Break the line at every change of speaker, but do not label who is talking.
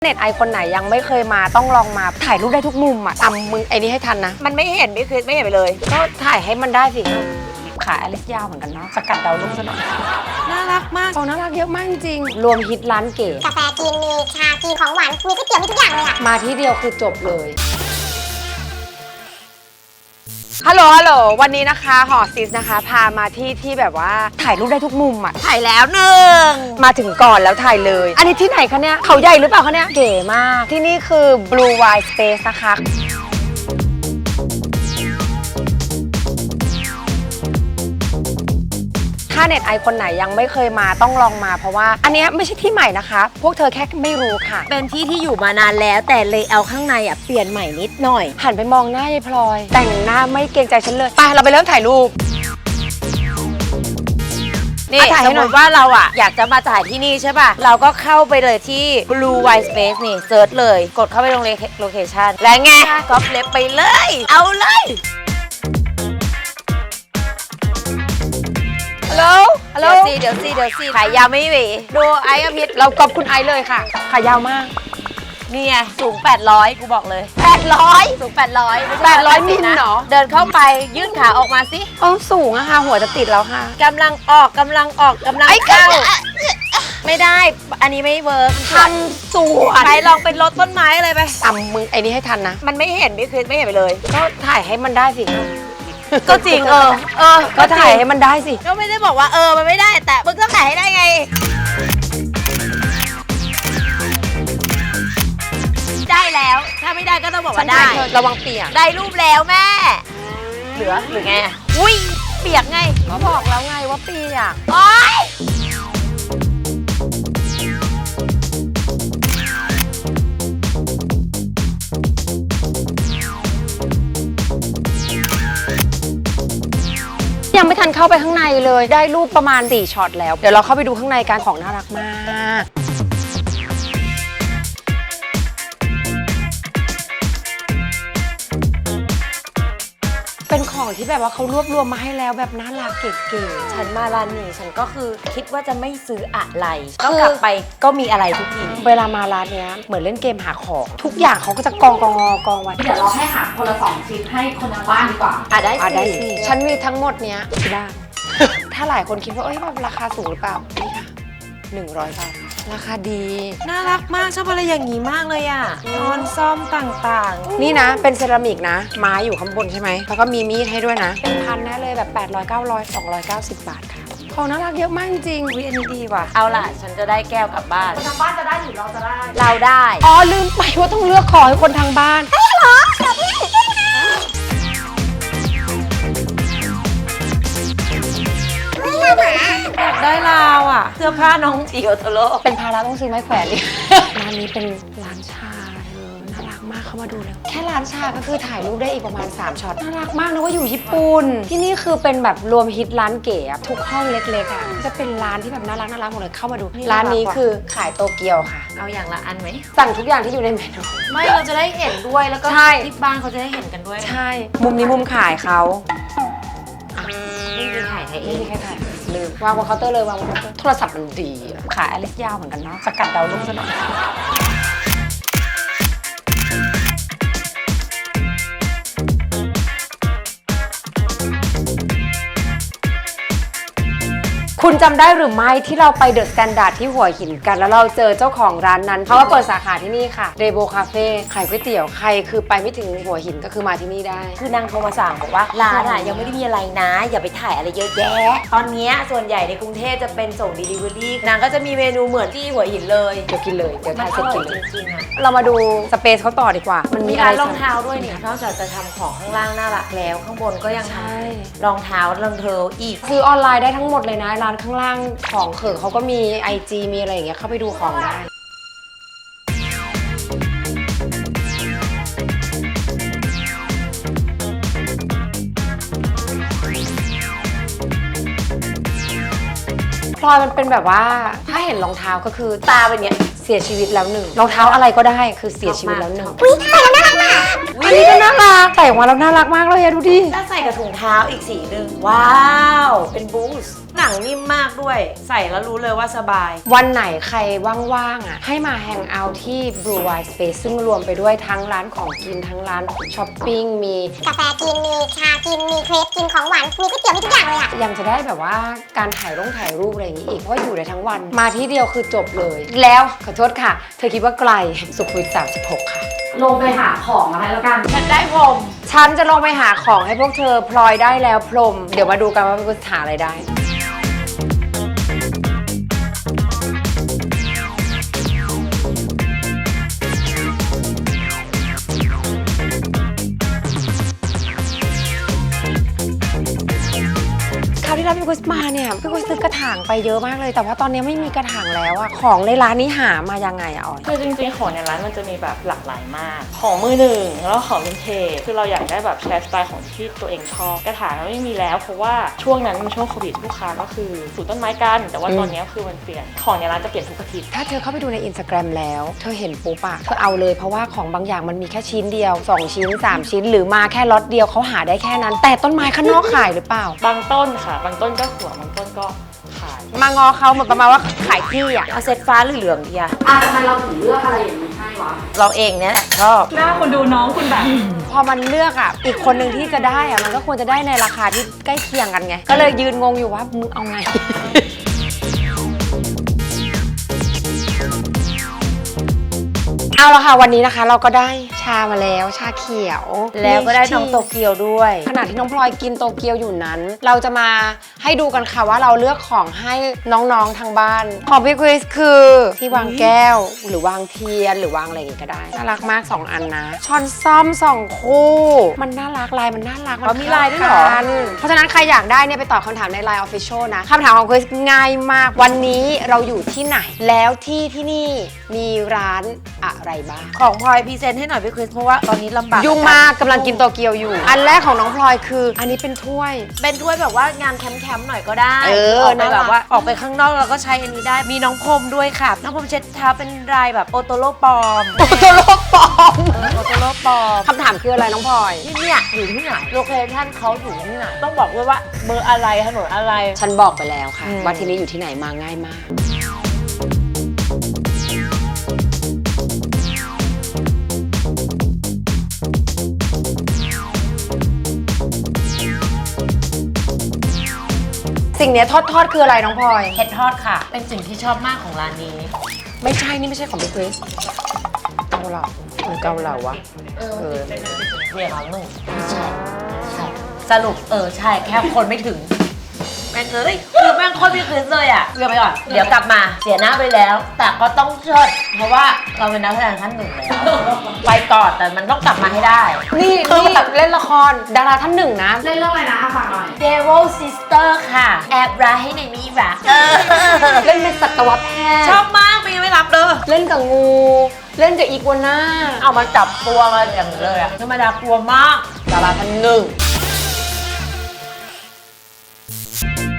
เน็ตไอคนไหนยังไม่เคยมาต้องลองมาถ่ายรูปได้ทุกมุมอ่ะตำมึงไอ้นี่ให้ทันนะ
มันไม่เห็นไม่คือไม่เห็นไปเลย
ก็ถ่ายให้มันได้สิขาอลิสยาวเหมือนกันเนาะสกัดดาวรุ่งซะหน่อย
น่ารักมาก
น่ารักเยอะมากจริงรวมฮิตร้านเก๋
กาแฟจีนมีชาจีนของหวานมีก๋วยเตี๋ยวมีทุกอย่างเลยอะ
มาที่เดียวคือจบเลยฮัลโหลวันนี้นะคะหอซิสนะคะพามาที่แบบว่าถ่ายรูปได้ทุกมุมอ่ะ
ถ่ายแล้วหนึ่ง
มาถึงก่อนแล้วถ่ายเลยอันนี้ที่ไหนคะเนี่ยเขาใหญ่หรือเปล่าคะเนี่ยเก๋มากที่นี่คือ Blue Wine Space นะคะถ้าเน็ตไอคนไหนยังไม่เคยมาต้องลองมาเพราะว่าอันนี้ไม่ใช่ที่ใหม่นะคะพวกเธอแค่ไม่รู้ค่ะ
เป็นที่ที่อยู่มานานแล้วแต่เลเยอร์ข้างในอ่ะเปลี่ยนใหม่นิดหน่อย
หันไปมองหน้ายายพลอยแต่งหน้าไม่เกรงใจฉันเลยไปเราไปเริ่มถ่ายรูป
นี่สมมติว่าเราอ่ะอยากจะมาถ่ายที่นี่ใช่ป่ะเราก็เข้าไปเลยที่ Blue Wine Space นี่เซิร์ชเลยกดเข้าไปตรงโลเคชั่นแล้วไงก๊อปเล็บไปเลยเอาเลย
ฮัลโหล
เดี๋ยวสิขายยาวไม่หวีดูไอ้กับพิษ
เรากอบคุณไอเลยค่ะขายาวมาก
นี่ไงสูง800กูบอกเลย800สูง800
มิลเนาะ
เดินเข้าไปยื่นขาออกมาสิ
สูงอะค่ะหัวจะติดแล้วค่ะ
กำลังออกกำลังเข้าไม่ได้อันนี้ไม่เวิร์ก
ทำสวน
ไปลองเป็นรถต้นไม้อะไรไป
ตำมึงไอ้นี่ให้ทันนะ
มันไม่เห็นไม่คือไม่เห็นไปเลย
ก็ถ่ายให้มันได้สิ
ก็จริง
ก็ถ่ายให้มันได้สิ
ก็ไม่ได้บอกว่ามันไม่ได้แต่มึงต้องถ่ายให้ได้ไงได้แล้วถ้าไม่ได้ก็ต้องบอกว่าได้
ระวังเปียก
ได้รูปแล้วแม่เหลือหรือไงอุ้ยเปียกไง
ก็บอกแล้วไงว่าเปียก
โอ๊ย
ยังไม่ทันเข้าไปข้างในเลยได้รูปประมาณ4ช็อตแล้วเดี๋ยวเราเข้าไปดูข้างในกันของน่ารักมากเป็นของที่แบบว่าเขารวบรวมมาให้แล้วแบบน่ารักเก๋
ๆฉันมาร้านนี้ฉันก็คือคิดว่าจะไม่ซื้ออะไรก็กลับไปก็มีอะไรทุกที
เวลามาร้านเนี้ยเหมือนเล่นเกมหาของทุกอย่างเขาก็จะกองไว้
เดี๋ยวเราให้หาคนละ2ชิ้นให้คนทางบ้านดีกว่า
ได้สิ
ฉันมีทั้งหมดเนี้ยที่บ้าน ถ้าหลายคนคิดว่าแบบราคาสูงหรือเปล่านี่ค่ะ100 บาทราคาดี
น่ารักมากชอบอะไรอย่างนี้มากเลยอ่ะช้อนซ่อมต่าง
ๆนี่นะเป็นเซรามิกนะไม้อยู่ข้างบนใช่ไหมแล้วก็มีมีดให้ด้วยนะเป็นพันแน่เลยแบบ800 900 290 บาทค่ะของน่ารักเยอะมากจริงวิอันนี้ดีว่ะ
เอาล่ะฉันจะได้แก้วกลับบ้าน
คนทางบ้านจะได้หรือเราจะได้
เราได้
ลืมไปว่าต้องเลือกขอให้คนทางบ้าน
เหรอเดี๋ยวพี่
ได้ลาวอ่ะเสื้อผ้าน้องจิโอโทโร่
เป็นภาระต้องซื้อไม้แขวนดิร้านนี้เป็นร้านชาน่ารักมากเข้ามาดูเลยแค่ร้านชาก็คือถ่ายรูปได้อีกประมาณ3ช็อตน่ารักมากนะว่าอยู่ญี่ปุ่นที่นี่คือเป็นแบบรวมฮิตร้านเก๋ทุกห้องเล็กๆอ่ะจะเป็นร้านที่แบบน่ารักหมดเลยเข้ามาดูร้านนี้คือขายโตเกียวค่ะ
เอาอย่างละอันไหม
สั่งทุกอย่างที่อยู่ในเมนู
ไม่เราจะได้เห็นด้วยแล้วก็ที่บ้านเขาจะได้เห็นกันด้วย
ใช่มุมนี้มุมขายเขา
ไม่มีถ่ายให้เอง
ไม่มีใครถ่ายลืมวางบนเคาน์เตอร์เลยวางบนเคาน์เตอร์โทรศัพท์มันดีขายอลิสยาวเหมือนกันเนาะสกัดดาวรุ่งซะหน่อยคุณจำได้หรือไม่ที่เราไปเดอะสแตนดาร์ดที่หัวหินกันแล้วเราเจอเจ้าของร้านนั้นเขาว่าเปิดสาขาที่นี่ค่ะเรโบคาเฟ่ขายก๋วยเตี๋ยวใครคือไปไม่ถึงหัวหินก็คือมาที่นี่ได้
คือนางโทรมาสั่งบอกว่าร้านยังไม่ได้มีอะไรนะอย่าไปถ่ายอะไรเยอะแยะตอนนี้ส่วนใหญ่ในกรุงเทพจะเป็นส่ง Delivery นางก็จะมีเมนูเหมือนที่หัวหินเลย
เดี๋ยวกินเลยเดี๋ยวถ่ายเสร็จกิน
จริงๆอะ
เรามาดูสเปซเขาต่อดีกว่ามันมีอะไร
รองเท้าด้วยนี่นอกจากจะทำของข้างล่างน่ารักแล้วข้างบนก็ยังทำรองเท้ารองเท้าอีก
ซื้อออนไลน์ได้ทั้งหมดเลยนะร้านข้างล่างของเขิงเขาก็มี IG มีอะไรอย่างเงี้ยเข้าไปดูของได้พลอยมันเป็นแบบว่าถ้าเห็นรองเท้าก็คือตาเป็นเนี้ยเสียชีวิตแล้วหนึ่งรองเท้าอะไรก็ได้คือเสียชีวิตแล้วหนึ่ง
อุ๊ยใส่แล้วน่ารักมาก
อันนี้ก็น่ารักใส่ออกมาแล้วน่ารักมากเลยอะดูดิ
ถ้าใส่กับถุงเท้าอีกสีหนึ่งว้าวเป็นบูสต์หนังนิ่มมากด้วย ใส่แล้วรู้เลยว่าสบาย
วันไหนใครว่างๆอ่ะให้มาแฮงเอาท์ที่ Blue White Space ซึ่งรวมไปด้วยทั้งร้านของกินทั้งร้านช้อปปิ้งมี
กาแฟกิน มีชากิน มีเครปกินของหวาน มีก๋วยเตี๋ยว มีทุกอย่างเลยอะ
ยังจะได้แบบว่าการถ่ายรูปอะไรอย่างนี้อีกเพราะว่าอยู่ได้ทั้งวันมาที่เดียวคือจบเลย แล้วขอโทษค่ะ เธอคิดว่าไกลสุขุมวิท36 ค่ะ
ลงไปหาของมาให้แล้วกัน
ฉันได้ผม
ฉันจะลงไปหาของให้พวกเธอพลอยได้แล้วพรม เดี๋ยวมาดูกันว่าพี่หาอะไรได้ คราวที่แล้วพี่กุสมาเนี่ยพี่กุสซื้อกระถางไปเยอะมากเลย แต่ว่าตอนนี้ไม่มีกระถางแล้วอะของในร้านนี้หามายังไงอะออย
คือจริงๆของในร้านมันจะมีแบบหลากหลายมาก ของมือหนึ่งแล้วก็ของวินเทจคือเราอยากได้แบบแชร์สไตล์ของที่ตัวเองชอบกระถางเราไม่มีแล้วเพราะว่าช่วงนั้นมันช่วงโควิดลูกค้าก็คือปลูกต้นไม้กันแต่ว่าตอนนี้คือมันเปลี่ยนของในร้านจะเปลี่ยนทุกอาทิตย์
ถ้าเธอเข้าไปดูใน Instagram แล้ว เธอเห็นปุ๊บอะเธอเอาเลยเพราะว่าของบางอย่างมันมีแค่ชิ้นเดียว 2 ชิ้น 3 ชิ้น หรือมาแค่ล็อตเดียวเขาหาได้แค่นั้น แต่ต้นไม้ข้างนอกขายหรือเปล่า
บางต้นค่ะ บางต้นก็สวยบางต้นก็ขาย
มางอเขาเหมือนประมาณว่าขายที่อะ
เอาเซตฟ้าหรือเหลืองดีอะ
ทำไมเราถึงเลือกอะไรอย่างนี้ให้วะ
เราเองเนี่ยแหละชอบ
หน้าคนดูน้องคุณแบบ
พอมันเลือกอะอีกคนหนึ่งที่จะได้อะมันก็ควรจะได้ในราคาที่ใกล้เคียงกันไง ก็เลยยืนงงอยู่ว่ามึงเอาไง เอาละค่ะวันนี้นะคะเราก็ได้ชามาแล้วชาเขียว
แล้วก็ได้น้องโตเกียวด้วย
ขณะที่น้องพลอยกินโตเกียวอยู่นั้น เราจะมาให้ดูกันค่ะว่าเราเลือกของให้น้องๆทางบ้าน ของพี่คริสคือที่วางแก้วหรือวางเทียนหรือวางอะไรอย่างงี้ก็ได้น่ารักมาก 2 อันนะช้อนซ่อม2 คู่มันน่ารักลายมันน่ารัก
อ๋อมีลายด้วยเหรอ
ข้กันเพราะฉะนั้นใครอยากได้เนี่ยไปตอบคำถามใน Line Official นะคำถามของคริสง่ายมากวันนี้เราอยู่ที่ไหนแล้วที่นี่มีร้านอะไรบ้าง
ของพลอยพรีเซนต์ให้หน่อยพี่คริสเพราะว่าตอนนี้ลำบาก
ยุ่งมากกำลังกินโตเกียวอยู่ อันแรกของน้องพลอยคืออันนี้เป็นถ้วย
เป็นถ้วยแบบว่างานแคมป์ๆหน่อยก็ได้
เออ
ออกไป
น่ารั
แบ
ก
บว่าออกไปข้างนอกเราก็ใช้อันนี้ได้ มีน้องพรมด้วยค่ะ น้องพรมเช็ดเท้าเป็นลายแบบโอโตโรปลอม
โอโตโรปลอม
โอโตโรปลอม
คำถามคืออะไรน้องพลอย
ที่เนี่ยอยู่ที่ไหนโลเคชั่นเขาอยู่ที่ไหนต้องบอกด้วยว่าเบอร์อะไรถนนอะไร
ฉันบอกไปแล้วค่ะ
อืม
ว่าที่นี้อยู่ที่ไหนมาง่ายมาก สิ่งเนี้ยทอดคืออะไรน้องพลอย
เห็ดทอดค่ะ เป็นสิ่งที่ชอบมากของร้านนี้
ไม่ใช่นี่ไม่ใช่ของพี่คริสเกาเหลาหรือเกาเหลาวะเออ
เรียกเราหนึ่งใช่ใช่สรุปใช่แค่คนไม่ถึงแม่งคือแม่งโคตรพี่คริสเลยอ่ะเรียกไปก่อนเดี๋ยวกลับมาเสียหน้าไปแล้ว แต่ก็ต้องเชิดเพราะว่าเราเป็นนักแสดงท่านหนึ่งแล้วไปก่อนแต่มันต้องกลับมาให้ได้
นี่แบบเล่นละครดาราท่านหนึ่งนะ
เล่นเรื่องอะไรนะฝากหน่อย
Devil Sister ค่ะ แอบรักให้ในมีรัก
เล่นเป็นสัตวแพทย์
ชอบมากไม่รับเลย
เล่นกับงู เล่นกับอีกัวน่า
เอามาจับตัวมาอย่างนี้เลยอะธรรมดากลัวมาก
ดาราท่านหนึ่ง